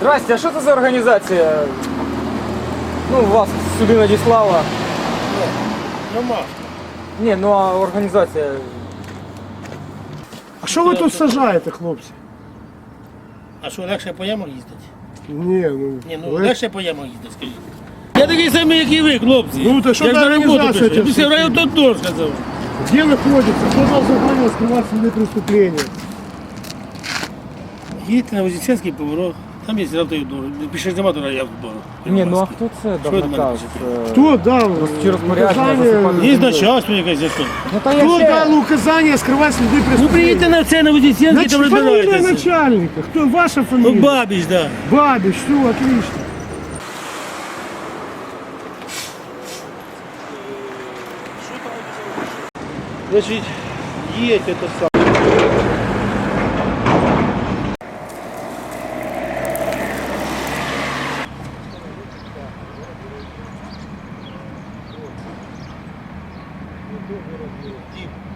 Здрасте, а що це за організація? Ну, вас сюди надіслала. Нема. Ні, ну а організація. А що ви тут сажаєте, хлопці? А що, легше по ямах їздити? Ні, Ні, ну легше по ямах їздити, скажіть. Я такий самий, як і ви, хлопці. Ну, то що Як за на роботу організація пішли. ця Після вся? райотодор сказав. Где находится? Кто дал задание скрывать следы преступления? Їдьте на Вознесенський поворот. Там є райотодор. Пішли нема до райотодору. Ні, ну а хто це дав Що ви до мене наказ? пишете? Кто дал Чи розпорядження указание? засипати? Є начальство якесь за що. Ну та я Кто ще... дал указание скрывать следы Ну преступления? приїдьте на це, на Вознесенський, там Значит, фамилия розбирайтеся. начальника. Кто? Ваша Ну, фамилия? Бабіч, да. Бабич, все, отлично. Значить, є це саме.